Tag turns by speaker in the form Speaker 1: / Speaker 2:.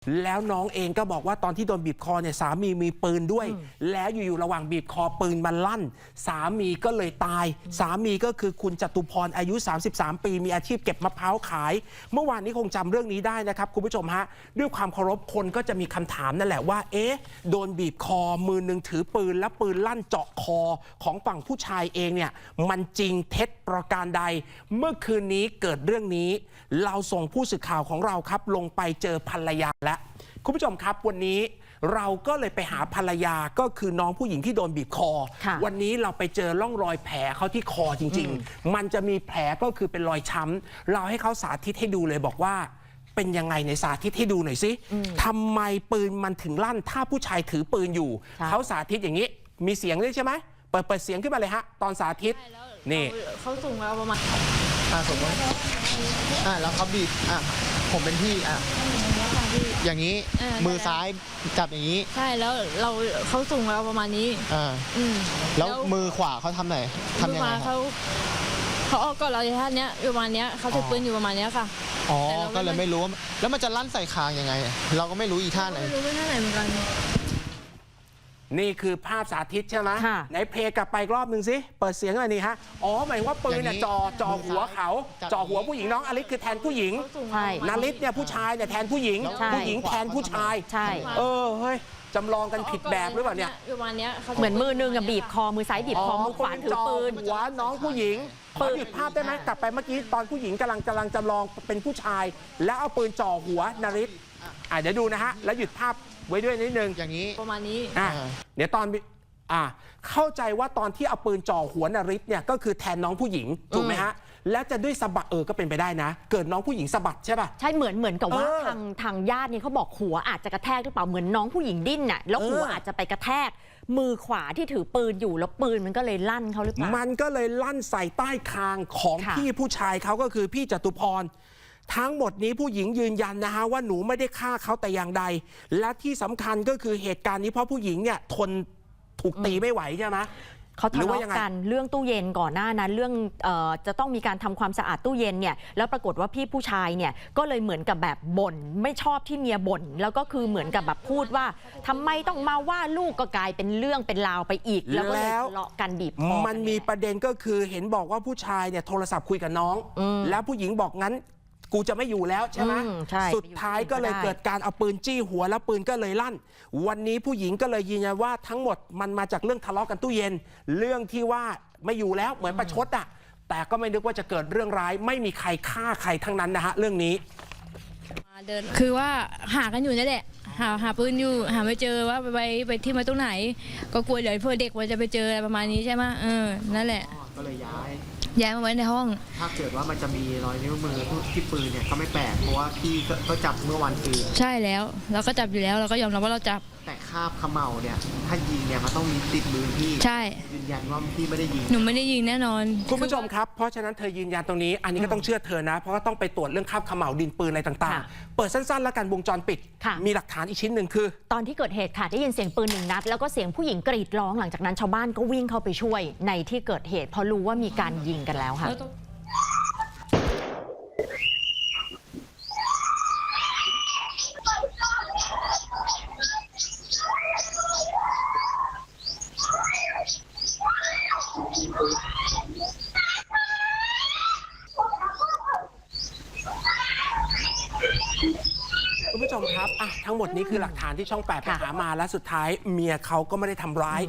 Speaker 1: แล้วน้องเองก็บอกว่าตอนที่โดนบีบคอเนี่ยสามีมีปืนด้วยแล้วอยู่ๆระหว่างบีบคอปืนมันลั่นสามีก็เลยตายสามีก็คือคุณจตุพรอายุ33ปีมีอาชีพเก็บมะพร้าวขายเมื่อวานนี้คงจำเรื่องนี้ได้นะครับคุณผู้ชมฮะด้วยความเคารพคนก็จะมีคำถามนั่นแหละว่าเอ๊ะโดนบีบคอมือหนึ่งถือปืนและปืนลั่นเจาะคอของฝั่งผู้ชายเองเนี่ยมันจริงเท็จประการใดเมื่อคืนนี้เกิดเรื่องนี้เราส่งผู้สื่อข่าวของเราครับลงไปเจอภรรยาและคุณผู้ชมครับวันนี้เราก็เลยไปหาภรรยาก็คือน้องผู้หญิงที่โดนบีบคอวันนี้เราไปเจอร่องรอยแผลเขาที่คอจริงๆมันจะมีแผลก็คือเป็นรอยช้ำเราให้เขาสาธิตให้ดูเลยบอกว่าเป็นยังไงในสาธิตให้ดูหน่อยสิทำไมปืนมันถึงลั่นถ้าผู้ชายถือปืนอยู่เขาสาธิตอย่างนี้มีเสียงด้วยใช่ไหมเปิดเสียงขึ้นมาเลยฮะตอนสาธิตนี่
Speaker 2: เขาสูงเราประมาณ
Speaker 3: สมมติแล้วเขาบีบผมเป็นพี่อย่างนี้มือซ้ายจับอย่างนี้
Speaker 2: ใช่แล้วเขาสูงเราประมาณนี้
Speaker 3: แล้วมือขวาเขาทำไหนทำยังไง
Speaker 2: เขาออกก่อนเราในท่านี้ประมาณนี้เขาถือปืนอยู่ประมาณนี้ค่ะ
Speaker 3: อ๋อก็เลยไม่รู้แล้วมันจะลั่นใส่คางยังไงเราก็ไม่รู้อีท่าไหน
Speaker 2: ไม่รู้ท่าไหนเหมือนกัน
Speaker 1: นี่คือภาพสาธิตใช่ไหมไหนเพลงกลับไปรอบหนึ่งสิเปิดเสียงหน่อยนี่ฮะอ๋อหมายว่าปืนเนี่ยจ่อหัวเขาจ่อหัวผู้หญิงน้องอลิสคือแทนผู้หญิงนาริสเนี่ยผู้ชายเนี่ยแทนผู้หญิงผู้หญิงแทนผู้ชาย
Speaker 4: ใช่
Speaker 1: เฮ้ยจำลองกันผิดแบบหรือเปล่าเนี่ย
Speaker 4: เหมือนมือนึงกับบีบคอมือซ้ายบีบคอมือขวาถือปืน
Speaker 1: หัวน้องผู้หญิงขอหยุดภาพได้ไหมกลับไปเมื่อกี้ตอนผู้หญิงกำลังจำลองเป็นผู้ชายแล้วเอาปืนจ่อหัวนาริสเดี๋ยวดูนะฮะแล้วหยุดภาพไว้ด้วยนิดนึง
Speaker 3: อย่างนี้
Speaker 2: ประมาณนี้
Speaker 1: เดี๋ยวตอนเข้าใจว่าตอนที่เอาปืนจ่อหัวนาริสเนี่ยก็คือแทนน้องผู้หญิงถูกไหมฮะแล้วจะด้วยสะบัดก็เป็นไปได้นะเกิดน้องผู้หญิงสะบัดใช่ป่ะ
Speaker 4: ใช่เหมือนกับว่าทางญาตินี่เขาบอกหัวอาจจะกระแทกหรือเปล่าเหมือนน้องผู้หญิงดิ้นน่ะแล้วหัวอาจจะไปกระแทกมือขวาที่ถือปืนอยู่แล้วปืนมันก็เลยลั่นเขาหรือเปล่า
Speaker 1: มันก็เลยลั่นใส่ใต้คางของพี่ผู้ชายเขาก็คือพี่จตุพรทั้งหมดนี้ผู้หญิงยืนยันนะฮะว่าหนูไม่ได้ฆ่าเขาแต่อย่างใดและที่สำคัญก็คือเหตุการณ์นี้เพราะผู้หญิงเนี่ยทนถูกตีไม่ไหวใช่ไหม
Speaker 4: เขาทะเลาะกันเรื่องตู้เย็นก่อนหน้านั้นเรื่องจะต้องมีการทำความสะอาดตู้เย็นเนี่ยแล้วปรากฏว่าพี่ผู้ชายเนี่ยก็เลยเหมือนกับแบบบ่นไม่ชอบที่เมียบ่นแล้วก็คือเหมือนกับแบบพูดว่าทำไมต้องมาว่าลูกก็กลายเป็นเรื่องเป็นราวไปอีกแล้วก็เลยทะเลาะกันบีบคอ
Speaker 1: มันมีประเด็นก็คือเห็นบอกว่าผู้ชายเนี่ยโทรศัพท์คุยกับน้องแล้วผู้หญิงบอกงั้นกูจะไม่อยู่แล้วใช่ไหมสุดท้ายก็เลยเกิดการเอาปืนจี้หัวแล้วปืนก็เลยลั่นวันนี้ผู้หญิงก็เลยยืนยันว่าทั้งหมดมันมาจากเรื่องทะเลาะกันตู้เย็นเรื่องที่ว่าไม่อยู่แล้วเหมือนประชดแต่ก็ไม่นึกว่าจะเกิดเรื่องร้ายไม่มีใครฆ่าใครทั้งนั้นนะฮะเรื่องนี้
Speaker 2: คือว่าหากันอยู่นั่นแหละหาปืนอยู่หาไม่เจอว่าไปที่มาตรงไหนก็กลัวเดี๋ยวเพื่อเด็กมันจะไปเจออะไรประมาณนี้ใช่ไหมนั่นแหละ
Speaker 3: ก็เลยย้
Speaker 2: ายมาไว้ในห้อง
Speaker 3: ถ้าเกิดว่ามันจะมีรอยนิ้วมือที่ปืนเนี่ยก็ไม่แปลกเพราะว่าพี่ก็จับเมื่อวันคืน
Speaker 2: ใช่แล้วเราก็จับอยู่แล้วเราก็ยอมรับว่าเราจับ
Speaker 3: แต่คาบเขม่าเนี่ยถ้ายิงเนี่ยมันต้องมีติดมือพี่
Speaker 2: ใช่
Speaker 3: ยืนยันว่าพี่ไม่ได้ยิง
Speaker 2: หนูไม่ได้ยิงแน่นอน
Speaker 1: คุณผู้ชมครับเพราะฉะนั้นเธอยืนยันตรงนี้อันนี้ก็ต้องเชื่อเธอนะเพราะว่าต้องไปตรวจเรื่องคาบเขม่าดินปืนอะไรต่างๆเปิดสั้นๆแล้วกันวงจรปิดมีหลักฐานอีกชิ้นหนึ่งคือ
Speaker 4: ตอนที่เกิดเหตุค่ะได้ยินเสียงปืน1 นัดแล้วก็เสียงผู้หญิงกรีดร้องหลังจากนั้นชาวบ้านก็วิ่งเข้าไปช่วยในที่เกิดเหตุเพราะรู้ว่ามีการยิงกันแล้วค่ะ
Speaker 1: คุณผู้ชมครับทั้งหมดนี้คือหลักฐานที่ช่อง 8ไปหามาและสุดท้ายเมียเขาก็ไม่ได้ทำร้าย